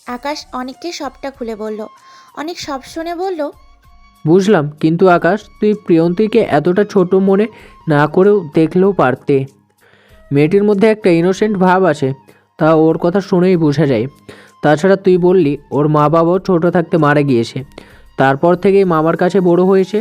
আকাশ অনেককে সবটা খুলে বলল। অনেক সব শুনে বলল, বুঝলাম, কিন্তু আকাশ তুই প্রিয়ন্তীকে এতটা ছোট মনে না করেও দেখলেও পারতে। মেয়েটির মধ্যে একটা ইনোসেন্ট ভাব আছে, তা ওর কথা শুনেই বোঝা যায়। তাছাড়া তুই বললি ওর মা বাবাও ছোট থাকতে মারা গিয়েছে, তারপর থেকেই মামার কাছে বড় হয়েছে।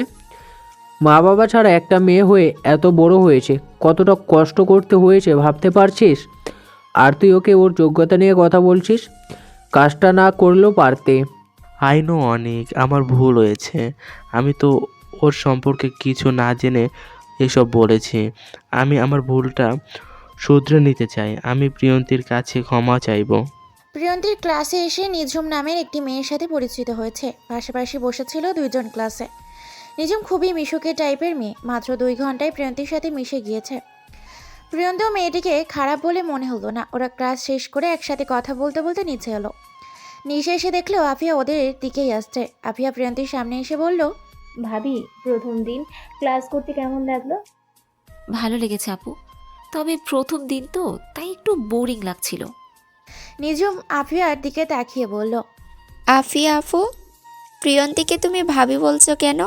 মা বাবা ছাড়া একটা মেয়ে হয়ে এত বড় হয়েছে, কতটা কষ্ট করতে হয়েছে ভাবতে পারছিস? আর তুই ওকে ওর যোগ্যতা নিয়ে কথা বলছিস, কাজটা না করলেও পারতে। আই নো অনেক, আমার ভুল হয়েছে। আমি তো ওর সম্পর্কে কিছু না জেনে এসব বলেছি। আমি আমার ভুলটা শুধরে নিতে চাই। আমি প্রিয়ন্তীর কাছে ক্ষমা চাইবো। প্রিয়ন্তীর ক্লাসে এসে নিঝুম নামের একটি মেয়ের সাথে পরিচিত হয়েছে। পাশাপাশি বসেছিল দুইজন ক্লাসে। নিঝুম খুবই মিশুকে টাইপের মেয়ে, মাত্র 2 ঘন্টায় প্রিয়ন্তীর সাথে মিশে গিয়েছে। প্রিয়ন্তীও মেয়েটিকে খারাপ বলে মনে হলো না। ওরা ক্লাস শেষ করে একসাথে কথা বলতে বলতে নিচে এলো। নিচে এসে দেখলো আফিয়া ওদের দিকেই আসছে। আফিয়া প্রিয়ন্তীর সামনে এসে বলল, ভাবি, প্রথম দিন ক্লাস করতে কেমন লাগলো? ভালো লেগেছে আপু, তবে প্রথম দিন তো তাই একটু বোরিং লাগছিল। নিঝুম আফিয়ার দিকে তাকিয়ে বলল, আফিয়া আপু, প্রিয়ন্তীকে তুমি ভাবি বলছো কেন?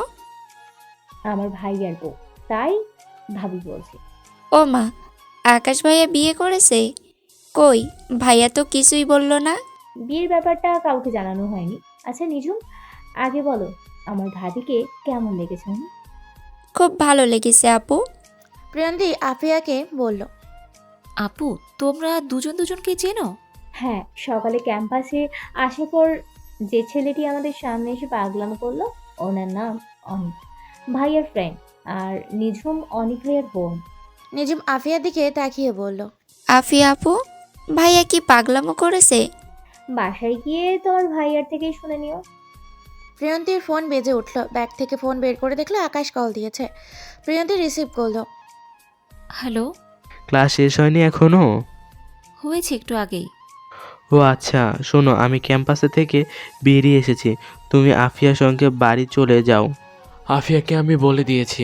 আমার ভাইয়ার বউ, তাই ভাবি বলছি। ও মা, আকাশ ভাইয়া বিয়ে করেছে? কই, ভাইয়া তো কিছুই বলল না। বিয়ের ব্যাপারটা কাউকে জানানো হয়নি। আচ্ছা নিজুম, আগে বলো আমার ভাবিকে কেমন লেগেছে? খুব ভালো লেগেছে আপু। প্রিয়ন্তী আফিয়াকে বলল, আপু, তোমরা দুজন দুজনকে চেনো? হ্যাঁ, সকালে ক্যাম্পাসে আসার পর যে ছেলেটি আমাদের সামনে এসে পাগলামো করলো, ওনার নাম অনিক, ভাইয়ার ফ্রেন্ড। আর নিঝুম অনিক ভাইয়ার বোন। নিঝুম আফিয়ার দিকে তাকিয়ে বলল, আফিয়া আপু, ভাইয়া কি পাগলামো করেছে? বাসায় গিয়ে তোমার ভাইয়ার থেকেই শুনে নিও। প্রিয়ন্তীর ফোন বেজে উঠল। ব্যাগ থেকে ফোন বের করে দেখলো আকাশ কল দিয়েছে। প্রিয়ন্তী রিসিভ করলো। হ্যালো। ক্লাস শেষ হয়নি এখনো? হয়েছে একটু আগেই। ও আচ্ছা, শোনো, আমি ক্যাম্পাসে থেকে বেরিয়ে এসেছি। তুমি আফিয়ার সঙ্গে বাড়ি চলে যাও। আফিয়াকে আমি বলে দিয়েছি।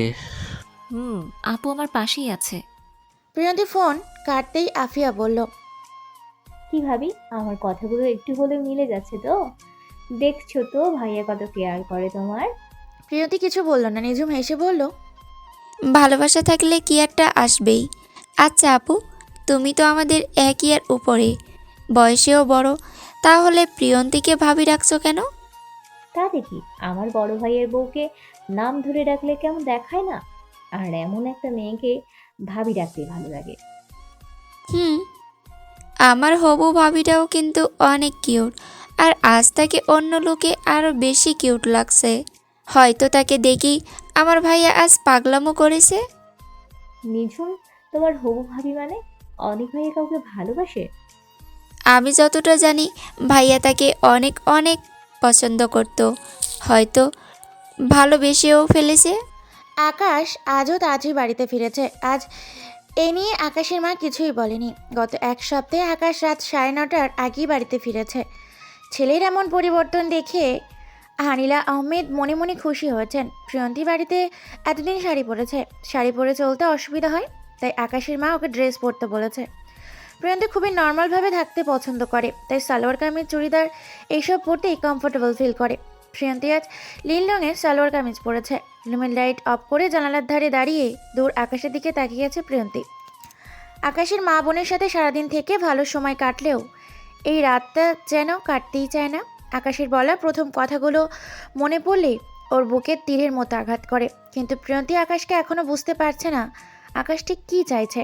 আপু আমার পাশেই আছে। প্রিয়ন্তী ফোন কাটতেই আফিয়া বলল, কি ভাবি, আমার কথাগুলো একটু হলেও মিলে যাচ্ছে তো? দেখছো তো ভাইয়া কত কেয়ার করে তোমার। প্রিয়ন্তী কিছু বলল না। নিঝুম হেসে বলল, ভালোবাসা থাকলে কি একটা আসবেই। আচ্ছা আপু, তুমি তো আমাদের এক ইয়ার উপরে, বয়সেও বড়, তাহলে প্রিয়ন্তীকে ভাবি রাখছো কেন? তা দেখি, আমার বড় ভাইয়ের বউকে নাম ধরে ডাকলে কেমন দেখায় না? আর এমন একটা মেয়েকে ভাবি ডাকতে ভালো লাগে। হুম, আমার হবু ভাবিটাও কিন্তু অনেক কিউট, আর আজ তাকে অন্য লোকে আরও বেশি কিউট লাগছে। হয়তো তাকে দেখি আমার ভাইয়া আজ পাগলামো করেছে। নিঝুম, তোমার হবু ভাবি মানে অনেক ভাইয়া কাউকে ভালোবাসে? আমি যতটা জানি ভাইয়া তাকে অনেক অনেক পছন্দ করত, হয়তো ভালোবেসেও ফেলেছে। আকাশ আজও তাজই বাড়িতে ফিরেছে। আজ এ নিয়ে আকাশের মা কিছুই বলেনি। গত 1 সপ্তাহে আকাশ রাত 9:30টার আগেই বাড়িতে ফিরেছে। ছেলের এমন পরিবর্তন দেখে হানিলা আহমেদ মনে মনে খুশি হয়েছেন। প্রিয়ন্তী বাড়িতে এতদিন শাড়ি পরেছে, শাড়ি পরে চলতে অসুবিধা হয়, তাই আকাশের মা ওকে ড্রেস পরতে বলেছে। প্রিয়ন্তী খুবই নর্মালভাবে থাকতে পছন্দ করে, তাই সালোয়ার কামিজ, চুড়িদার এইসব পরতেই কমফোর্টেবল ফিল করে। প্রিয়ন্তী আজ নীল রঙের সালোয়ার কামিজ পরেছে। রুমের লাইট অফ করে জানালার ধারে দাঁড়িয়ে দূর আকাশের দিকে তাকিয়ে আছে প্রিয়ন্তী। আকাশের মা বোনের সাথে সারাদিন থেকে ভালো সময় কাটলেও এই রাতটা যেন কাটতেই চায় না। আকাশের বলা প্রথম কথাগুলো মনে পড়লে ওর বুকে তীরের মতো আঘাত করে। কিন্তু প্রিয়ন্তী আকাশকে এখনও বুঝতে পারছে না আকাশ ঠিক কী চাইছে।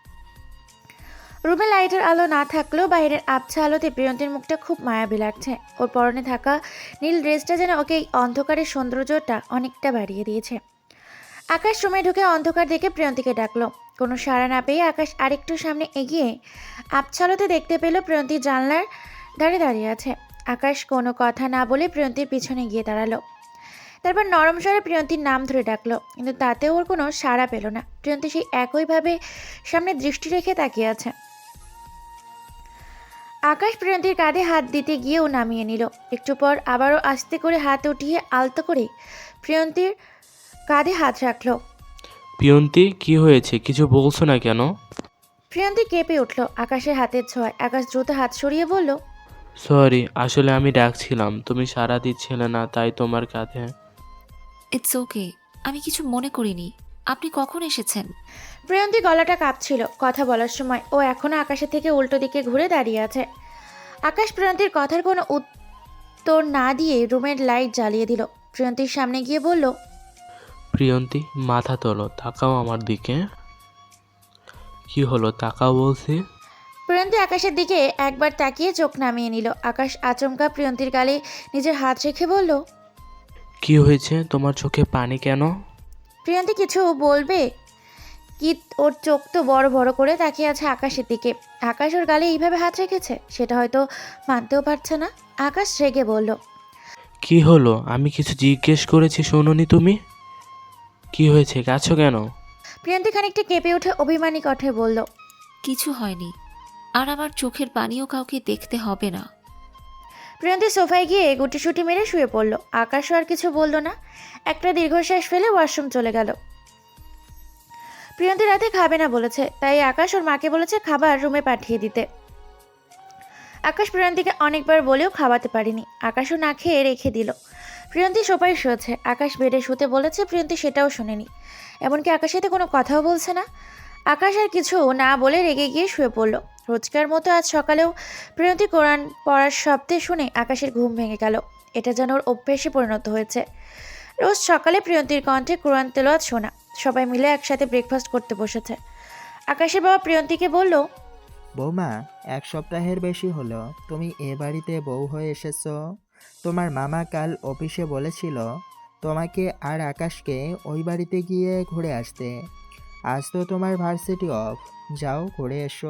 রুমে লাইটের আলো না থাকলেও বাইরের আবছা আলোতে প্রিয়ন্তীর মুখটা খুব মায়াবী লাগছে। ওর পরনে থাকা নীল ড্রেসটা যেন ওকে এই অন্ধকারের সৌন্দর্যটা অনেকটা বাড়িয়ে দিয়েছে। আকাশ রুমে ঢুকে অন্ধকার দেখে প্রিয়ন্তীকে ডাকলো। কোনো সাড়া না পেয়ে আকাশ আরেকটু সামনে এগিয়ে আবছা আলোতে দেখতে পেল প্রিয়ন্তী জানলার ধারে দাঁড়িয়ে আছে। আকাশ কোনো কথা না বলে প্রিয়ন্তীর পিছনে গিয়ে দাঁড়ালো। তারপর নরম স্বরে প্রিয়ন্তীর নাম ধরে ডাকলো, কিন্তু তাতেও ওর কোনো সাড়া পেল না। প্রিয়ন্তী সেই একইভাবে সামনে দৃষ্টি রেখে তাকিয়ে আছে। আকাশ প্রিয়ন্তীর কাঁধে হাত দিতে গিয়েও নামিয়ে নিল। একটু পর আবারও আস্তে করে হাত উঠিয়ে আলতো করে প্রিয়ন্তীর কাঁধে হাত রাখল। প্রিয়ন্তী, কি হয়েছে? কিছু বলছো না কেন? প্রিয়ন্তী কেঁপে উঠল আকাশের হাতের ছোঁয়ায়। আকাশ দ্রুত হাত সরিয়ে বলল, সরি, আসলে আমি ডাকছিলাম, তুমি সাড়া দিচ্ছিলে না, তাই তোমার কাঁধে। ইটস ওকে, আমি কিছু মনে করিনি। আপনি কখন এসেছেন? প্রিয়ন্তী গলাটা কাঁপছিল কথা বলার সময়। ও এখনও আকাশের থেকে উল্টো দিকে ঘুরে দাঁড়িয়ে আছে। আকাশ প্রিয়ন্তীর কথার কোনো উত্তর না দিয়ে রুমের লাইট জ্বালিয়ে দিল। প্রিয়ন্তীর সামনে গিয়ে বলল, প্রিয়ন্তী, মাথা তোলো, তাকাও আমার দিকে। কি হলো, তাকাও বলছি। প্রিয়ন্তী আকাশের দিকে একবার তাকিয়ে চোখ নামিয়ে নিল। আকাশ আচমকা প্রিয়ন্তীর গালে নিজের হাত রেখে বলল, কি হয়েছে, তোমার চোখে পানি কেন? প্রিয়ন্তী কিছু বলবে কি, ওর চোখ তো বড় বড় করে তাকিয়ে আছে আকাশের দিকে। আকাশ ওর গালে এইভাবে হাত রেখেছে, সেটা হয়তো মানতেও পারছে না। আকাশ রেগে বলল, কি হলো, আমি কিছু জিজ্ঞেস করেছি শোনোনি তুমি? কি হয়েছে, কাছো কেন? প্রিয়ন্তী খানিকটা কেঁপে উঠে অভিমানী কণ্ঠে বলল, কিছু হয়নি, আর আমার চোখের পানিও কাউকে দেখতে হবে না। প্রিয়ন্তী সোফায় গিয়ে গুটিসুটি মেরে শুয়ে পড়ল। আকাশও আর কিছু বলল না। একটা দীর্ঘশ্বাস ফেলে ওয়াশরুম চলে গেল। প্রিয়ন্তী রাতে খাবে না বলেছে, তাই আকাশ ওর মাকে বলেছে খাবার রুমে পাঠিয়ে দিতে। আকাশ প্রিয়ন্তীকে অনেকবার বলেও খাওয়াতে পারেনি। আকাশও না খেয়ে রেখে দিল। প্রিয়ন্তী সোফায় শুয়েছে, আকাশ বেডে শুতে বলেছে, প্রিয়ন্তী সেটাও শোনেনি। এমনকি আকাশের সাথে কোনো কথাও বলছে না। আকাশ আর কিছু না বলে রেগে গিয়ে শুয়ে পড়ল। রোজকার মতো আজ সকালেও প্রিয়ন্তী কোরআন পড়ার শব্দে শুনে আকাশের ঘুম ভেঙে গেল। এটা যেন ওর অভ্যেসে পরিণত হয়েছে। রোজ সকালে প্রিয়ন্তীর কণ্ঠে কোরআন তেলাওয়াত শোনা। সবাই মিলে একসাথে ব্রেকফাস্ট করতে বসেছে। আকাশের বাবা প্রিয়ন্তীকে বলল, বৌমা, 1 সপ্তাহের বেশি হলো তুমি এ বাড়িতে বউ হয়ে এসেছো। তোমার মামা কাল অফিসে বলেছিল তোমাকে আর আকাশকে ওই বাড়িতে গিয়ে ঘুরে আসতে। আজ তো তোমার ভার্সিটি অফ, যাও ঘুরে এসো।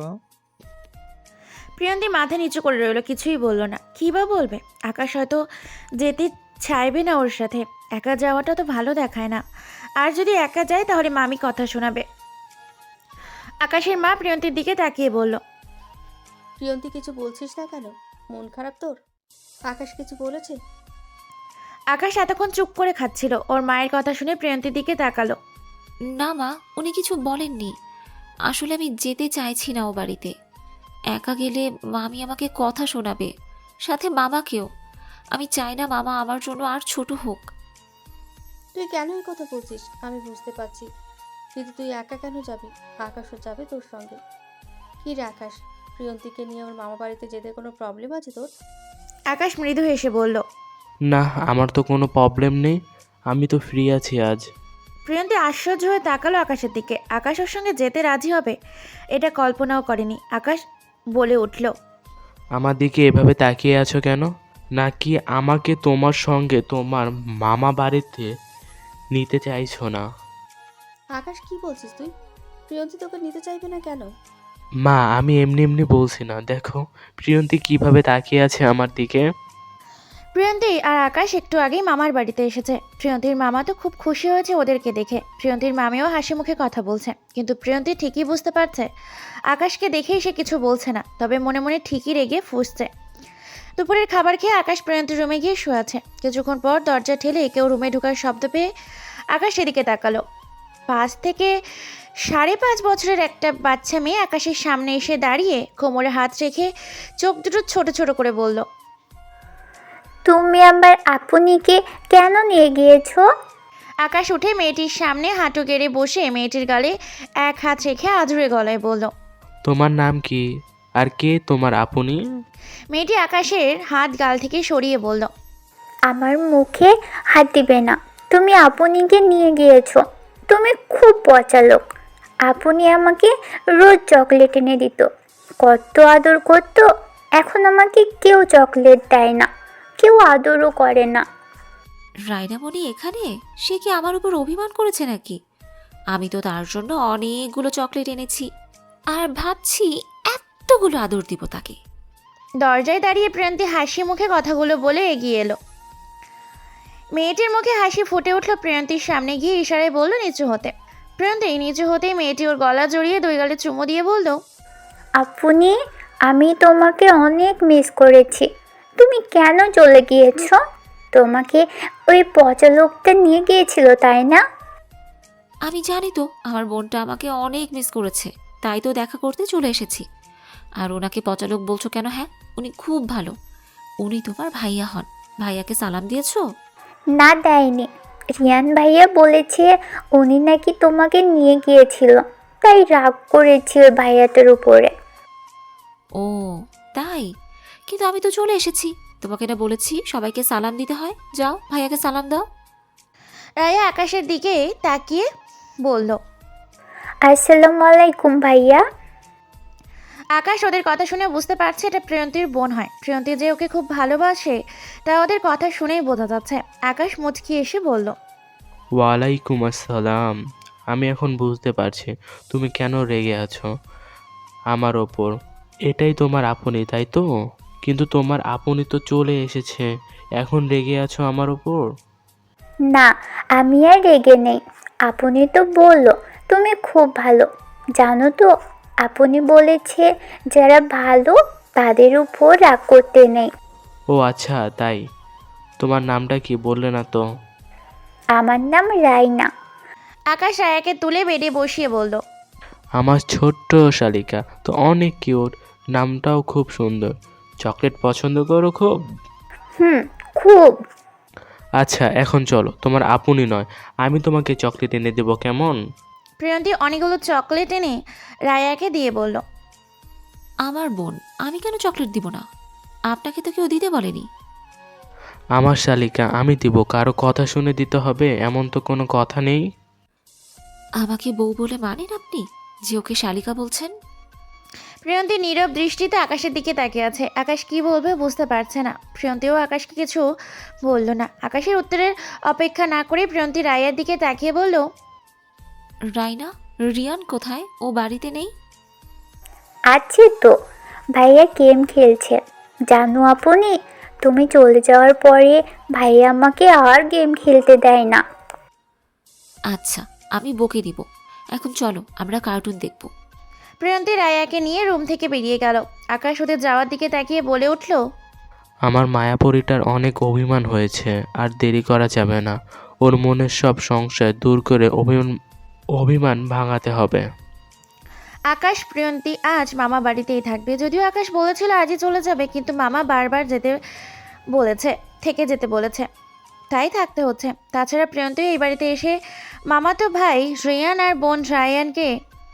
প্রিয়ন্তী মাথা নিচু করে রইল, কিছুই বলল না। কী বা বলবে? আকাশ হয়তো যেতে চাইবে না ওর সাথে। একা যাওয়াটা তো ভালো দেখায় না। আর যদি একা যায় তাহলে মামি কথা শোনাবে। আকাশের মা প্রিয়ন্তীর দিকে তাকিয়ে বলল, প্রিয়ন্তী, কিছু বলছিস না কেন? মন খারাপ তোর? আকাশ কিছু বলেছে? আকাশ এতক্ষণ চুপ করে খাচ্ছিল। ওর মায়ের কথা শুনে প্রিয়ন্তীর দিকে তাকালো। না মা, উনি কিছু বলেননি। আসলে আমি যেতে চাইছি না ও বাড়িতে। একা গেলে মামি আমাকে কথা শোনাবে, সাথে মামাকেও। আমি চাই না মামা আমার জন্য আর ছোট হোক। তুই কেন এই কথা বলছিস আমি বুঝতে পারছি, কিন্তু তুই একা কেন যাবি? আকাশও যাবে তোর সঙ্গে। কি রে আকাশ, প্রিয়ন্তীকে নিয়ে ওর মামা বাড়িতে যেতে কোনো প্রবলেম আছে তোর? আকাশ মৃদু হেসে বলল, না, আমার তো কোনো প্রবলেম নেই, আমি তো ফ্রি আছি আজ। প্রিয়ন্তী আশ্চর্য হয়ে তাকালো আকাশের দিকে। আকাশ ওর সঙ্গে যেতে রাজি হবে এটা কল্পনাও করেনি। আকাশ বলে উঠল, আমার দিকে এভাবে তাকিয়ে আছো কেন? নাকি আমাকে তোমার সঙ্গে তোমার মামা বাড়িতে নিতে চাইছো না? আকাশ, কি বলছিস তুই? প্রিয়ন্তী তোকে নিতে চাইবে না কেন? মা, আমি এমনি এমনি বলছি না, দেখো প্রিয়ন্তী কিভাবে তাকিয়ে আছে আমার দিকে। প্রিয়ন্তী আর আকাশ একটু আগেই মামার বাড়িতে এসেছে। প্রিয়ন্তীর মামা তো খুব খুশি হয়েছে ওদেরকে দেখে। প্রিয়ন্তীর মামিও হাসি মুখে কথা বলছে, কিন্তু প্রিয়ন্তী ঠিকই বুঝতে পারছে আকাশকে দেখেই সে কিছু বলছে না, তবে মনে মনে ঠিকই রেগে ফুঁসছে। দুপুরের খাবার খেয়ে আকাশ প্রিয়ন্তীর রুমে গিয়ে শুয়ে আছে। কিছুক্ষণ পর দরজা ঠেলে কেউ রুমে ঢোকার শব্দ পেয়ে আকাশ সেদিকে তাকালো। 5 থেকে 5.5 বছরের একটা বাচ্চা মেয়ে আকাশের সামনে এসে দাঁড়িয়ে কোমরে হাত রেখে চোখ দুটো ছোট ছোট করে বলল, তুমি আবার আপনিকে কেন নিয়ে গিয়েছো? আকাশ উঠে মেয়েটির সামনে হাঁটু গেড়ে বসে মেয়েটির গালে এক হাত রেখে আধুরে গলায় বলল, তোমার নাম কি, আর কে তোমার আপনি? মেয়েটি আকাশের হাত গাল থেকে সরিয়ে বলল, আমার মুখে হাত দিবে না। তুমি আপনিকে নিয়ে গিয়েছো। তুমি খুব পচা লোক। আপনি আমাকে রোজ চকলেট এনে দিত, কত আদর করতো। এখন আমাকে কেউ চকলেট দেয় না, কেউ আদরও করে না। রায়নামণি এখানে? সে কি আমার উপর অভিমান করেছে নাকি? আমি তো তার জন্য অনেকগুলো চকলেট এনেছি, আর ভাবছি এতগুলো আদর দিব তাকে। দরজায় দাঁড়িয়ে প্রিয়ন্তী হাসি মুখে কথাগুলো বলে এগিয়ে এলো। মেয়েটির মুখে হাসি ফুটে উঠল। প্রিয়ন্তীর সামনে গিয়ে ইশারায় বলল নিচু হতে। প্রিয়ন্তী নিচু হতেই মেয়েটি ওর গলা জড়িয়ে 2 গালে চুমু দিয়ে বলল, আপনি, আমি তোমাকে অনেক মিস করেছি। তুমি কেন চলে গিয়েছো? তোমাকে ওই পচা লোকটা নিয়ে গিয়েছিল, তাই না? আমি জানি তো আমার বোনটা আমাকে অনেক মিস করেছে, তাই তো দেখা করতে চলে এসেছি। আর ওনাকে পচালোক বলছো কেন? হ্যাঁ, উনি খুব ভালো। উনি তোমার ভাইয়া হন। ভাইয়াকে সালাম দিয়েছো? না, দেয়নি। রিয়ান ভাইয়া বলেছে উনি নাকি তোমাকে নিয়ে গিয়েছিল, তাই রাগ করেছে ওই ভাইয়াটার উপরে। ও তাই? কিন্তু আমি তো চলে এসেছি। তোমাকে না বলেছি সবাইকে সালাম দিতে হয়? যাও ভাইয়াকে সালাম দাও। রায়া আকাশের দিকে তাকিয়ে বলল। আসসালামু আলাইকুম ভাইয়া। আকাশ ওদের কথা শুনে বুঝতে পারছে এটা প্রিয়ন্তীর বোন হয়। প্রিয়ন্তী যে ওকে খুব ভালোবাসে তা ওদের কথা শুনেই বোঝা যাচ্ছে। আকাশ মুচকি এসে বলল। ওয়ালাইকুম আসসালাম। আমি এখন বুঝতে পারছি তুমি কেন রেগে আছো আমার ওপর। এটাই তোমার আপনি, তাই তো? কিন্তু তোমার আপনি তো চলে এসেছে, এখন রেগে আছো আমার ওপর? না, আমি আর রেগে নেই। আপনি তো বললো তুমি খুব ভালো। জানো তো, আপনি বলেছে যারা ভালো তাদের উপর রাগ করতে নেই। ও আচ্ছা, তাই? তোমার নামটা কি বললে না তো? আমার নাম রাইনা। আকাশ রায়াকে তুলে বেডে বসিয়ে বলল। আমার ছোট্ট শালিকা তো অনেক কিউট, নামটাও খুব সুন্দর। চকলেট পছন্দ করো খুব? খুব। আচ্ছা এখন চলো, তোমার আপনি নয় আমি তোমাকে চকলেট এনে দেবো, কেমন? প্রিয়ন্তী অনেকগুলো চকলেট এনে রায়াকে দিয়ে বলল। আমার বোন, আমি কেন চকলেট দিব না? আপনাকে তো কেউ দিতে বলেনি। আমার শালিকা আমি দিব, কারো কথা শুনে দিতে হবে এমন তো কোনো কথা নেই। আমাকে বউ বলে মানেন আপনি যে ওকে শালিকা বলছেন? প্রিয়ন্তী নীরব দৃষ্টিতে আকাশের দিকে তাকিয়ে আছে। আকাশ কি বলবে বুঝতে পারছে না। প্রিয়ন্তীও আকাশকে কিছু বলল না। আকাশের উত্তরের অপেক্ষা না করে প্রিয়ন্তী রায়ের দিকে তাকিয়ে বলল। রাইনা, রিয়ান কোথায়? ও বাড়িতে নেই? আছে তো, ভাইয়া গেম খেলছে। জানো আপনি, তুমি চলে যাওয়ার পরে ভাইয়া আমাকে আর গেম খেলতে দেয় না। আচ্ছা, আমি বকে দিব। এখন চলো আমরা কার্টুন দেখব। প্রিয়ন্তী রায়াকে নিয়ে রুম থেকে বেরিয়ে গেল। আকাশ ওদের যাওয়ার দিকে তাকিয়ে বলে উঠল। আমার মায়াপরীটার অনেক অভিমান হয়েছে, আর দেরি করা যাবে না। ওর মনের সব সংশয় দূর করে অভিমান ভাঙাতে হবে। আকাশ প্রিয়ন্তী আজ মামা বাড়িতেই থাকবে। যদিও আকাশ বলেছিল আজই চলে যাবে, কিন্তু মামা বারবার থেকে যেতে বলেছে, তাই থাকতে হচ্ছে। তাছাড়া প্রিয়ন্তী এই বাড়িতে এসে মামাতো ভাই রিয়ান আর বোন রায়ানকে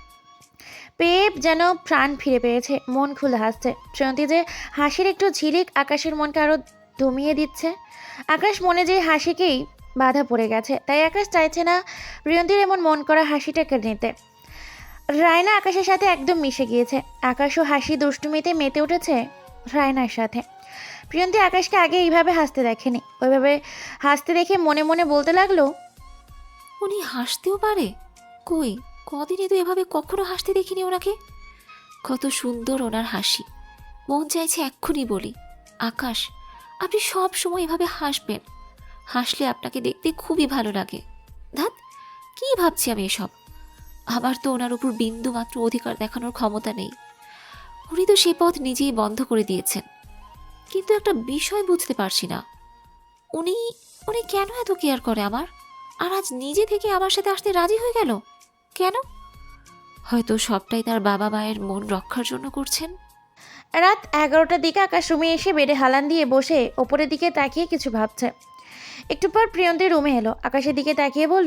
পেয়ে যেন প্রাণ ফিরে পেয়েছে। মন খুলে হাসছে। প্রিয়ন্তী যে হাসির একটু ঝিলিক আকাশের মনকে আরও দমিয়ে দিচ্ছে। আকাশ মনে যে হাসিকেই বাধা পড়ে গেছে, তাই আকাশ চাইছে না প্রিয়ন্তীর এমন মন করা হাসিটাকে নিতে। রায়না আকাশের সাথে একদম মিশে গিয়েছে। আকাশও হাসি দুষ্টুমিতে মেতে উঠেছে রায়নার সাথে। প্রিয়ন্তী আকাশকে আগে এইভাবে হাসতে দেখেনি। ওইভাবে হাসতে দেখে মনে মনে বলতে লাগলো। উনি হাসতেও পারে? কই, কদিনে তো এভাবে কখনো হাসতে দেখিনি ওনাকে। কত সুন্দর ওনার হাসি। মন চাইছে এক্ষুনি বলি, আকাশ আপনি সব সময় এভাবে হাসবেন। হাসলে আপনাকে দেখতে খুবই ভালো লাগে। ধ্যাৎ, কি ভাবছি আমি এসব? আমার তো ওনার উপর বিন্দু মাত্র অধিকার দেখানোর ক্ষমতা নেই। উনি তো সে পথ নিজেই বন্ধ করে দিয়েছেন। কিন্তু একটা বিষয় বুঝতে পারছি না, উনি উনি কেন এত কেয়ার করে আমার? আর আজ নিজে থেকে আমার সাথে আসতে রাজি হয়ে গেল কেন? হয়তো সবটাই তার বাবা মায়ের মন রক্ষার জন্য করছেন। রাত 11টার দিকে আকাশ রুমে এসে বেডে হালান দিয়ে বসে ওপরের দিকে তাকিয়ে কিছু ভাবছে। একটু পর প্রিয়ন্তী রুমে এলো। আকাশের দিকে তাকিয়ে বলল।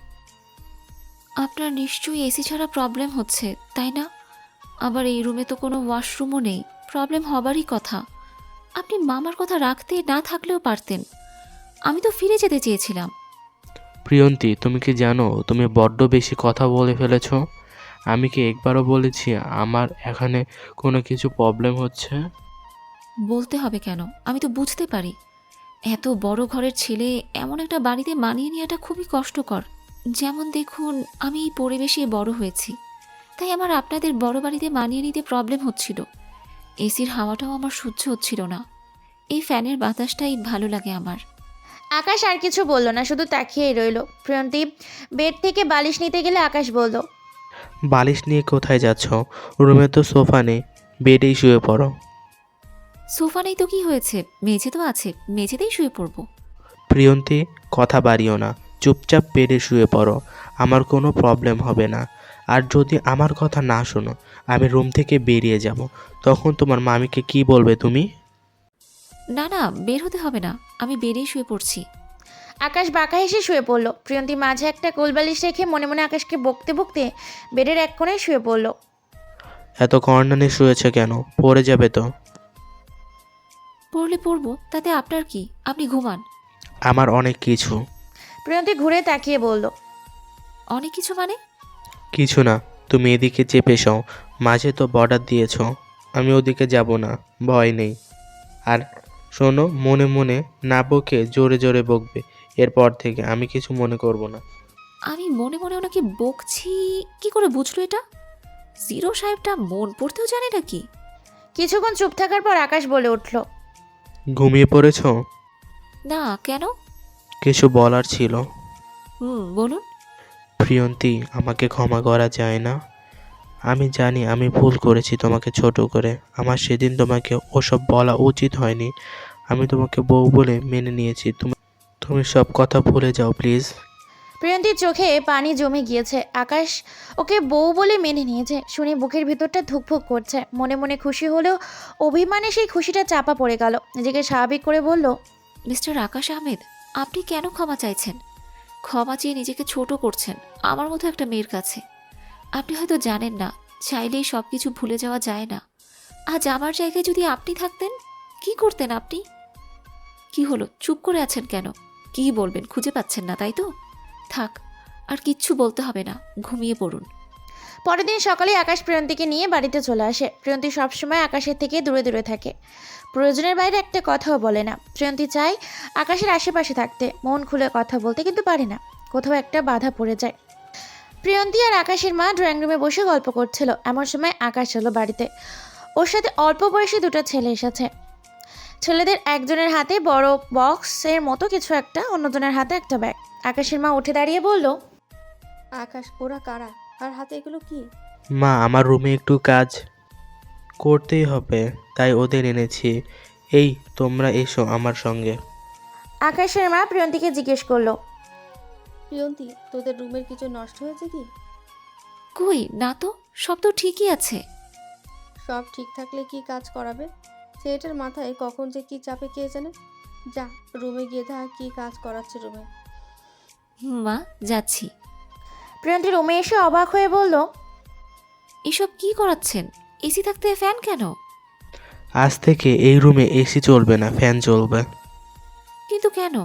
আপনার নিশ্চয়ই এসি ছাড়া প্রবলেম হচ্ছে, তাই না? আবার এই রুমে তো কোনো ওয়াশরুমও নেই। প্রবলেম হবারই কথা। আপনি মামার কথা রাখতে না থাকলেও পারতেন। আমি তো ফিরে যেতে চেয়েছিলাম। প্রিয়ন্তী তুমি কি জানো তুমি বড্ড বেশি কথা বলে ফেলেছো? আমি কি একবারও বলেছি আমার এখানে কোনো কিছু প্রবলেম হচ্ছে? বলতে হবে কেন? আমি তো বুঝতে পারি এত বড় ঘরের ছেলে এমন একটা বাড়িতে মানিয়ে নেওয়াটা খুবই কষ্টকর। যেমন দেখুন, আমি এই পরিবেশে বড় হয়েছি, তাই আমার আপনাদের বড় বাড়িতে মানিয়ে নিতে প্রবলেম হচ্ছিল। এসির হাওয়াটাও আমার সহ্য হচ্ছিল না। এই ফ্যানের বাতাসটাই ভালো লাগে আমার। আকাশ আর কিছু বলল না, শুধু তাকিয়েই রইল। প্রিয়ন্তী বেড থেকে বালিশ নিতে গেলে আকাশ বলল। বালিশ নিয়ে কোথায় যাচ্ছ? রুমে তো সোফা নেই, বেডেই শুয়ে পড়ো। সোফা নেই তো কি হয়েছে, মেঝে তো আছে, মেঝেতেই শুয়ে পড়বো। প্রিয়ন্তী কথা বাড়িও না, চুপচাপ বেডে শুয়ে পড়ো। আমার কোনো প্রবলেম হবে না। আর যদি আমার কথা না শোনো আমি রুম থেকে বেরিয়ে যাব, তখন তোমার মামিকে কি বলবে তুমি? না না, বের হতে হবে না, আমি বেরিয়ে শুয়ে পড়ছি। আকাশ বাঁকা হেসে শুয়ে পড়ল। প্রিয়ন্তী মাঝে একটা কোলবালিশ রেখে মনে মনে আকাশকে বকতে বকতে বেডের এক কোণে শুয়ে পড়ল। এত কর্নানি শুয়েছে কেন? পড়ে যাবে তো। পড়লে পড়বো, তাতে আপনার কি? আপনি ঘুমান। আমার অনেক কিছু। প্রিয়ন্তী ঘুরে তাকিয়ে বলল, অনেক কিছু মানে? কিছু না, তুমি এদিকে চেপে যাও, মাঝে তো বর্ডার দিয়েছ। আমি ওদিকে যাব না, ভয় নেই। আর শোনো, মনে মনে না বকে জোরে জোরে বকবে। এরপর থেকে আমি কিছু মনে করব না। আমি মনে মনে ওনাকে বকছি কি করে বুঝলো এটা? জিরো সাহেবটা মন পড়তেও জানে নাকি? কিছুক্ষণ চুপ থাকার পর আকাশ বলে উঠল, ঘুমিয়ে পড়েছ? না, কেন? কিছু বলার ছিল। বলুন। প্রিয়ন্তী, আমাকে ক্ষমা করা যায় না? আমি জানি আমি ভুল করেছি তোমাকে ছোট করে। আমার সেদিন তোমাকে ওসব বলা উচিত হয়নি। আমি তোমাকে বউ বলে মেনে নিয়েছি। তুমি তুমি সব কথা ভুলে যাও প্লিজ। প্রিয়ন্তীর চোখে পানি জমে গিয়েছে। আকাশ ওকে বউ বলে মেনে নিয়েছে শুনে বুকের ভিতরটা ধুকফুক করছে। মনে মনে খুশি হলেও অভিমানে সেই খুশিটা চাপা পড়ে গেল। নিজেকে স্বাভাবিক করে বলল, মিস্টার আকাশ আহমেদ, আপনি কেন ক্ষমা চাইছেন? ক্ষমা চেয়ে নিজেকে ছোট করছেন আমার মতো একটা মেয়ের কাছে। আপনি হয়তো জানেন না, চাইলেই সব কিছু ভুলে যাওয়া যায় না। আজ আমার জায়গায় যদি আপনি থাকতেন, কি করতেন আপনি? কি হলো, চুপ করে আছেন কেন? কি বলবেন খুঁজে পাচ্ছেন না, তাই তো? থাক, আর কিচ্ছু বলতে হবে না, ঘুমিয়ে পড়ুন। পরের দিন সকালে আকাশ প্রিয়ন্তীকে নিয়ে বাড়িতে চলে আসে। প্রিয়ন্তী সবসময় আকাশের থেকে দূরে দূরে থাকে, প্রয়োজনের বাইরে একটা কথাও বলে না। প্রিয়ন্তী চায় আকাশের আশেপাশে থাকতে, মন খুলে কথা বলতে, কিন্তু পারে না, কোথাও একটা বাধা পড়ে যায়। প্রিয়ন্তী আর আকাশের মা ড্রয়িং রুমে বসে গল্প করছিল। এমন সময় আকাশ এলো বাড়িতে। ওর সাথে অল্প বয়সী দুটো ছেলে এসেছে। ছেলেদের একজনের হাতে বড় বক্সের মতো কিছু একটা, অন্যজনের হাতে একটা ব্যাগ। আকাশের মা উঠে দাঁড়িয়ে বলল, আকাশ, ওরা কারা? আর হাতে এগুলো কি? মা, আমার রুমে একটু কাজ করতেই হবে, তাই ওদের এনেছি। এই, তোমরা এসো আমার সঙ্গে। আকাশের মা প্রিয়ন্তীকে জিজ্ঞেস করলো, প্রিয়ন্তী, তোদের রুমের কিছু নষ্ট হয়েছে কি? কই না তো, সব তো ঠিকই আছে। সব ঠিক থাকলে কি কাজ করাবে? ছেলেটার মাথায় কখন যে কি চাপে কে জানে। যা, রুমে গিয়ে থাক, কি কাজ করাচ্ছে রুমে। মা, যাচ্ছি। প্রিয়ন্তী রুমে এসে অবাক হয়ে বলল, এসব কি করাচ্ছেন? এসি থাকতে ফ্যান কেন? আজ থেকে এই রুমে এসি চলবে না, ফ্যান চলবে। কিন্তু কেন?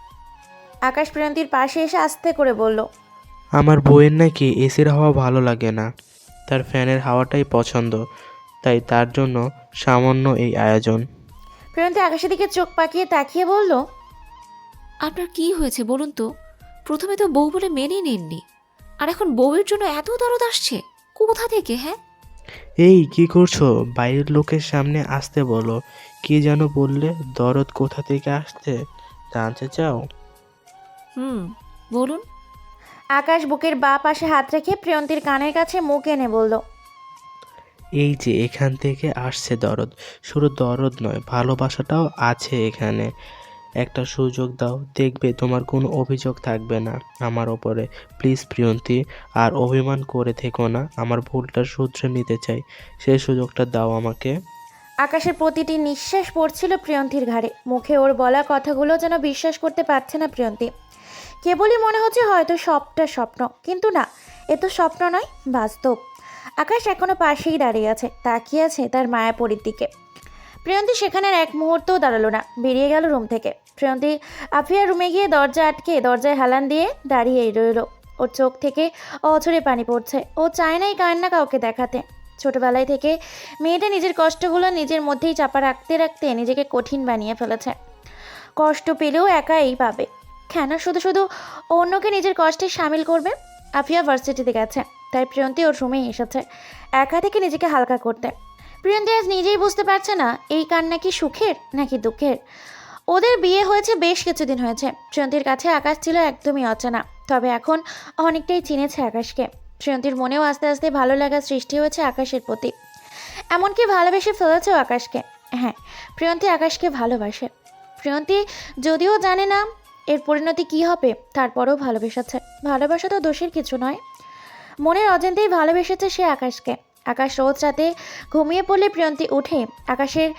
আকাশ প্রিয়ন্তীর পাশে এসে আস্তে করে বলল, আমার বউয়ের নাকি এসির হাওয়া ভালো লাগে না, তার ফ্যানের হাওয়াটাই পছন্দ, তাই তার জন্য সামান্য এই আয়োজন। প্রিয়ন্তী আকাশের দিকে চোখ পাকিয়ে তাকিয়ে বলল, আপনার কি হয়েছে বলুন তো? প্রথমে তো বউ বলে মেনেই নেননি, আর এখন বউয়ের জন্য এত দরদ আসছে কোথা থেকে? হ্যাঁ, এই কি করছো? বাইরের লোকের সামনে আসতে বলো। কি যেন বললে? দরদ কোথা থেকে আসছে জানতে চাও? বলুন। আকাশ বুকের বাঁ পাশে হাত রেখে প্রিয়ন্তীর কানের কাছে মুখ এনে বলল, এই যে এখান থেকে আসছে দরদ। শুধু দরদ নয়, ভালোবাসাটাও আছে এখানে। একটা সুযোগ দাও, দেখবে তোমার কোনো অভিযোগ থাকবে না আমার ওপরে। প্লিজ প্রিয়ন্তী, আর অভিমান করে থেকো না। আমার ভুলটা শুধরে নিতে চাই, সেই সুযোগটা দাও আমাকে। আকাশের প্রতিটি নিঃশ্বাস পড়ছিল প্রিয়ন্তীর ঘাড়ে। মুখে ওর বলা কথাগুলো যেন বিশ্বাস করতে পারছে না প্রিয়ন্তী। কেবলই মনে হচ্ছে হয়তো সবটা স্বপ্ন, কিন্তু না, এ তো স্বপ্ন নয়, বাস্তব। আকাশ এখনো পাশেই দাঁড়িয়ে আছে, তাকিয়ে আছে তার মায়াপরীর দিকে। প্রিয়ন্তী সেখানে আর এক মুহূর্তও দাঁড়ালো না, বেরিয়ে গেল রুম থেকে। প্রিয়ন্তী আফিয়ার রুমে গিয়ে দরজা আটকে দরজায় হেলান দিয়ে দাঁড়িয়েই রইল। ওর চোখ থেকে অঝরে পানি পড়ছে। ও চায় না এই কান্না কাউকে দেখাতে। ছোটবেলায় থেকে মেয়েটা নিজের কষ্টগুলো নিজের মধ্যেই চাপা রাখতে রাখতে নিজেকে কঠিন বানিয়ে ফেলেছে। কষ্ট পেলেও একাই পাবে, কেন শুধু শুধু অন্যকে নিজের কষ্টে সামিল করবে? আফিয়া ভার্সিটিতে গেছে, তাই প্রিয়ন্তী ওর রুমেই এসেছে একা থেকে নিজেকে হালকা করতে। প্রিয়ন্তী আজ নিজেই বুঝতে পারছে না এই কান্না কি সুখের নাকি দুঃখের। ওদের বিয়ে হয়েছে বেশ কিছুদিন হয়েছে। প্রিয়ন্তীর কাছে আকাশ ছিল একদমই অচেনা, তবে এখন অনেকটাই চিনেছে আকাশকে। প্রিয়ন্তীর মনেও আস্তে আস্তে ভালো লাগা সৃষ্টি হয়েছে আকাশের প্রতি, এমনকি ভালোবেসে ফেলেছেও আকাশকে। হ্যাঁ, প্রিয়ন্তী আকাশকে ভালোবাসে। প্রিয়ন্তী যদিও জানে না এর পরিণতি কী হবে, তারপরেও ভালোবেসেছে। ভালোবাসা তো দোষের কিছু নয়, মনের অজান্তেই ভালোবেসেছে সে আকাশকে। আকাশ রোজ রাতে ঘুমিয়ে পড়লে প্রিয়ন্তী উঠে আকাশের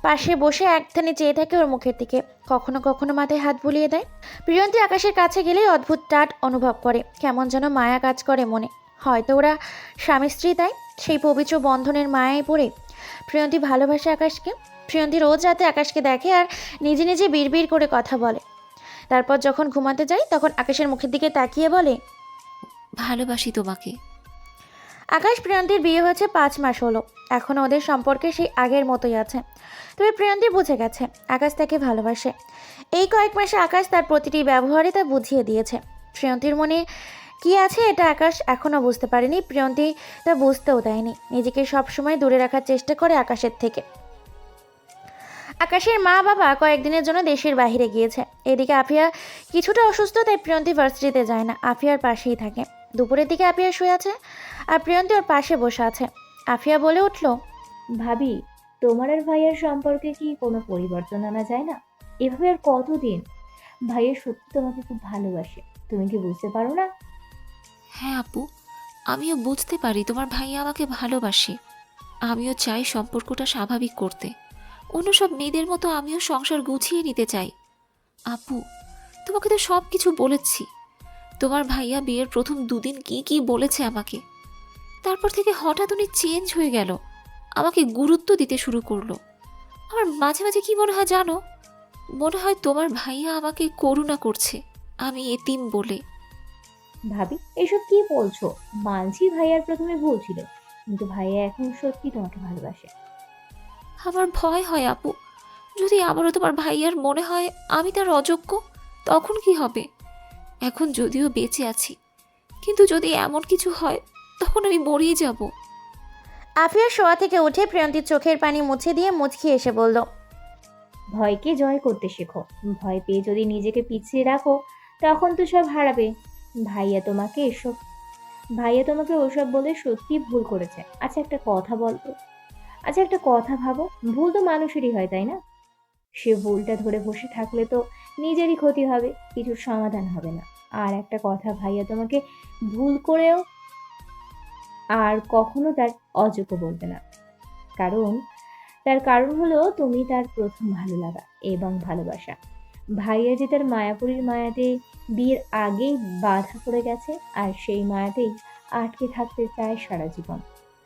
পাশে বসে একধানে চেয়ে থাকে ওর মুখের দিকে, কখনো কখনো মাথায় হাত বুলিয়ে দেয়। প্রিয়ন্তী আকাশের কাছে গেলেই অদ্ভুত টাট অনুভব করে, কেমন যেন মায়া কাজ করে মনে। হয়তো ওরা স্বামী স্ত্রী, তাই সেই পবিত্র বন্ধনের মায়ায় পড়ে প্রিয়ন্তী ভালোবাসে আকাশকে। প্রিয়ন্তী রোজ রাতে আকাশকে দেখে আর নিজে নিজে বিড়বিড় করে কথা বলে। তারপর যখন ঘুমাতে যায় তখন আকাশের মুখের দিকে তাকিয়ে বলে, ভালোবাসি তোমাকে। আকাশ প্রিয়ন্তীর বিয়ে হয়েছে 5 মাস হলো, এখনও ওদের সম্পর্কে সেই আগের মতোই আছে। তবে প্রিয়ন্তী বুঝে গেছে আকাশ তাকে ভালোবাসে। এই কয়েক মাসে আকাশ তার প্রতিটি ব্যবহারে তা বুঝিয়ে দিয়েছে। প্রিয়ন্তীর মনে কি আছে এটা আকাশ এখনও বুঝতে পারেনি, প্রিয়ন্তী তা বুঝতেও দেয়নি। নিজেকে সবসময় দূরে রাখার চেষ্টা করে আকাশের থেকে। আকাশের মা বাবা কয়েকদিনের জন্য দেশের বাইরে গিয়েছে। এদিকে আফিয়া কিছুটা অসুস্থ, তাই প্রিয়ন্তী ভার্সিটিতে যায় না, আফিয়ার পাশেই থাকে। দুপুরের দিকে আফিয়া শুয়ে আছে আর প্রিয়ন্তী ওর পাশে বসে আছে। আফিয়া বলে উঠল, ভাবি, তোমার আর ভাইয়ার সম্পর্কে কি কোনো পরিবর্তন আনা যায় না? এভাবে আর কতদিন? ভাইয়া সত্যি তোমাকে খুব ভালোবাসে, তুমি কি বুঝতে পারো না? হ্যাঁ আপু, আমিও বুঝতে পারি তোমার ভাইয়া আমাকে ভালোবাসে। আমিও চাই সম্পর্কটা স্বাভাবিক করতে। অন্য সব মেয়েদের মতো আমিও সংসার গুছিয়ে নিতে চাই। আপু, তোমাকে তো সব কিছু বলেছি। তোমার ভাইয়া বিয়ের প্রথম 2 দিন কি কি বলেছে আমাকে, তারপর থেকে হঠাৎ উনি চেঞ্জ হয়ে গেল, আমাকে গুরুত্ব দিতে শুরু করলো। আমার মাঝে মাঝে কি মনে হয় জানো, মনে হয় তোমার ভাইয়া আমাকে করুণা করছে, আমি এতিম বলে। ভাবি, এসব কি বলছো? মানছি ভাইয়ার প্রথমে ভুল ছিল, কিন্তু ভাইয়া এখন সত্যি তোমাকে ভালোবাসে। আমার ভয় হয় আপু, যদি আবারও তোমার ভাইয়ার মনে হয় আমি তার অযোগ্য, তখন কি হবে? এখন যদিও বেঁচে আছি, কিন্তু যদি এমন কিছু হয় তখন আমি মরিয়ে যাব। আফিয়া শোয়া থেকে উঠে প্রিয়ন্তীর চোখের পানি মুছে দিয়ে মুচকি এসে বলল, ভয়কে জয় করতে শেখো। ভয় পেয়ে যদি নিজেকে পিছিয়ে রাখো তখন তো সব হারাবে। ভাইয়া তোমাকে ওসব বলে সত্যি ভুল করেছে। আচ্ছা একটা কথা ভাবো, ভুল তো মানুষেরই হয়, তাই না? সে ভুলটা ধরে বসে থাকলে তো নিজেরই ক্ষতি হবে, কিছু সমাধান হবে না। আর একটা কথা, ভাইয়া তোমাকে ভুল করেও আর কখনো তার অযোগ্য বলবে না। তার কারণ হলো তুমি তার প্রথম ভালো লাগা এবং ভালোবাসা। ভাইয়া যে তার মায়াপুরীর মায়াতে বিয়ের আগেই বাধা পড়ে গেছে, আর সেই মায়াতেই আটকে থাকতে চায় সারা জীবন।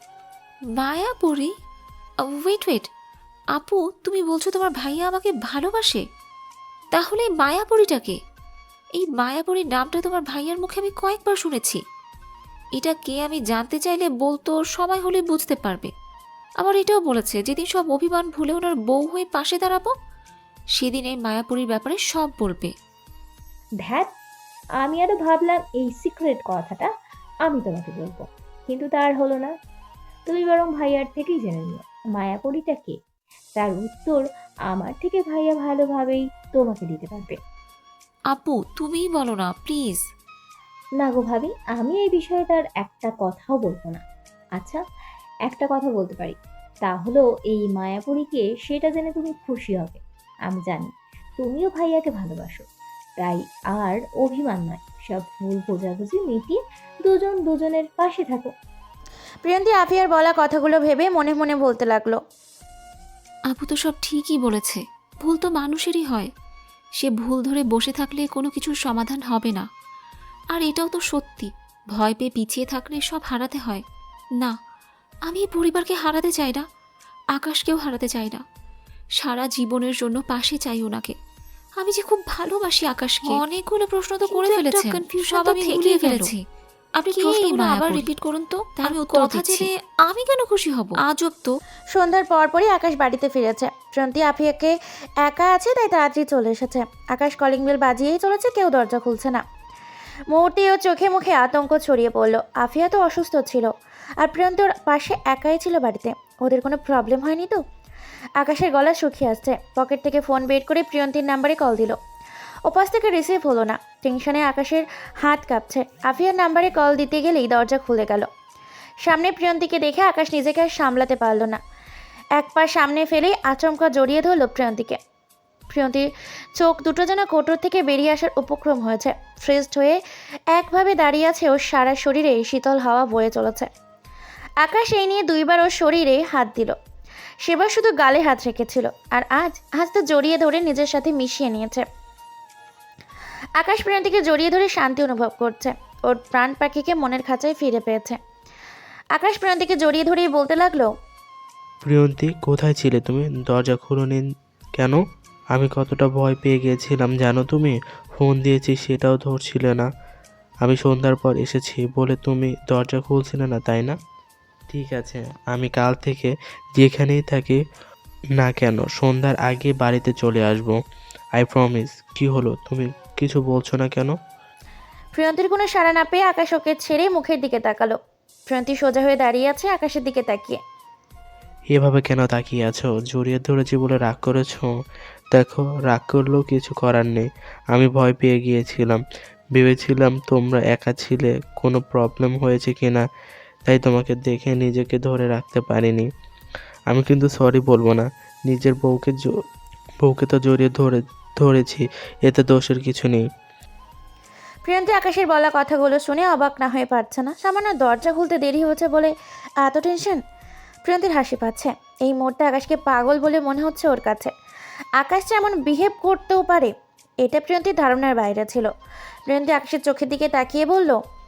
মায়াপুরী? ওয়েট, আপু, তুমি বলছো তোমার ভাইয়া আমাকে ভালোবাসে? তাহলে এই মায়াপুরীটাকে? এই মায়াপুরীর নামটা তোমার ভাইয়ার মুখে আমি কয়েকবার শুনেছি। এটা কে আমি জানতে চাইলে বলতো, সময় হলে বুঝতে পারবে। আবার এটাও বলেছে যেদিন সব অভিমান ভুলে ওনার বউ হয়ে পাশে দাঁড়াবো, সেদিন এই মায়াপুরীর ব্যাপারে সব বলবে। ধ্যাত, আমি আরো ভাবলাম এই সিক্রেট কথাটা আমি তোমাকে বলবো, কিন্তু তার হলো না। তুমি বরং ভাইয়ার থেকেই জেনে নিও মায়াপুরীটা কে। তার উত্তর আমার থেকে ভাইয়া ভালোভাবেই তোমাকে দিতে পারবে। আপু, তুমিই বলো না প্লিজ। না গো ভাবি, আমি এই বিষয়ে তার একটা কথাও বলবো না। আচ্ছা, একটা কথা বলতে পারি, তা হলো এই মায়াপুরীকে সেটা জেনে তুমি খুশি হবে। আমি জানি তুমিও ভাইয়াকে ভালোবাসো, তাই আর অভিমান নয়, সব ভুল বোঝাবুঝি মিটিয়ে দুজনের পাশে থাকো। প্রিয়ন্তী আফিয়ার বলা কথাগুলো ভেবে মনে মনে বলতে লাগলো, আপু তো সব ঠিকই বলেছে, ভুল তো মানুষেরই হয়। সে ভুল ধরে বসে থাকলে কোনো কিছুর সমাধান হবে না। আর এটাও তো সত্যি, ভয় পেয়ে পিছিয়ে থাকলে সব হারাতে হয়। না, আমি এই পরিবারকে হারাতে চাই না, আকাশকেও হারাতে চাই না। সারা জীবনের জন্য পাশে চাই ওনাকে। আমি যে খুব ভালোবাসি আকাশকে। অনেকগুলো প্রশ্ন তো করে ফেলেছেন, সব আমি থেকেই ফেলেছি। আপনি প্রশ্নগুলো আবার রিপিট করুন তো, আমি কথা জেনে আমি কেন খুশি হব? আজব তো। সন্ধ্যার পরপরই আকাশ বাড়িতে ফিরেছে। প্রিয়ন্তী আফিয়াকে একা আছে তাই তাড়াতাড়ি চলে এসেছে। আকাশ কলিং বেল বাজিয়েই চলেছে, কেউ দরজা খুলছে না। মুহূর্তে ও চোখে মুখে আতঙ্ক ছড়িয়ে পড়ল। আফিয়া তো অসুস্থ ছিল আর প্রিয়ন্তী ওর পাশে একাই ছিল বাড়িতে। ওদের কোনো প্রবলেম হয়নি তো? আকাশের গলা শুকিয়ে আসছে। পকেট থেকে ফোন বের করে প্রিয়ন্তীর নাম্বারে কল দিল। ওপাশ থেকে রিসিভ হলো না। টেনশনে আকাশের হাত কাঁপছে। আফিয়ার নাম্বারে কল দিতে গেলেই দরজা খুলে গেল। সামনে প্রিয়ন্তীকে দেখে আকাশ নিজেকে আর সামলাতে পারল না। এক পা সামনে ফেলেই আচমকা জড়িয়ে ধরল প্রিয়ন্তীকে। প্রিয়ন্তীর চোখ দুটো যেন কোটর থেকে বেরিয়ে আসার উপক্রম হয়েছে। ফ্রেজড হয়ে একভাবে দাঁড়িয়ে আছে, ওর সারা শরীরে শীতল হাওয়া বয়ে চলেছে। আকাশ এই নিয়ে 2বার ওর শরীরে হাত দিল। সেবার শুধু গালে হাত রেখেছিল, আর আজ আজ তো জড়িয়ে ধরে নিজের সাথে মিশিয়ে নিয়েছে। আকাশ প্রিয়ন্তীকে জড়িয়ে ধরে শান্তি অনুভব করছে, ওর প্রাণ পাখিকে মনের খাঁচায় ফিরে পেয়েছে। আকাশ প্রিয়ন্তীকে জড়িয়ে ধরেই বলতে লাগলো, প্রিয়ন্তী, কোথায় ছিলে তুমি? দরজা খুলোনি কেন? আমি কতটা ভয় পেয়ে গিয়েছিলাম জানো তুমি? ফোন দিয়েছি, সেটাও ধরছিলে না। আমি সন্ধ্যার পর এসেছি বলে তুমি দরজা খুলছিলে না, তাই না? ঠিক আছে, আমি কাল থেকে যেখানেই থাকি না কেন সন্ধ্যার আগে বাড়িতে চলে আসবো। I promise. কি হলো, তুমি কিছু বলছো না কেন? প্রিয়ন্তীর কোনো সাড়া না পেয়ে আকাশ ওকে ছেড়ে মুখের দিকে তাকালো। প্রিয়ন্তী সোজা হয়ে দাঁড়িয়ে আছে আকাশের দিকে তাকিয়ে। এভাবে কেন তাকিয়ে আছো? জড়িয়ে ধরেছি বলে রাগ করেছো? দেখো, রাগ করলেও কিছু করার নেই। আমি ভয় পেয়ে গিয়েছিলাম, ভেবেছিলাম তোমরা একা ছিলে, কোনো প্রবলেম হয়েছে কিনা, তাই তোমাকে দেখে নিজেকে ধরে রাখতে পারিনি। আমি কিন্তু সরি বলবো না, নিজের বউকে তো জড়িয়ে ধরেছি, এতে দোষের কিছু নেই। প্রিয়ন্তী আকাশের বলা কথাগুলো শুনে অবাক না হয়ে পারছে না। সামান্য দরজা খুলতে দেরি হয়েছে বলে এত টেনশন। প্রিয়ন্তীর হাসি পাচ্ছে। এই মুহূর্তে আকাশকে পাগল বলে মনে হচ্ছে ওর কাছে। আকাশ যে এমন বিহেভ করতেও পারে, এটা প্রিয়ন্তীর ধারণার বাইরে ছিল। প্রিয়ন্তী আকাশের চোখের দিকে তাকিয়ে বলল,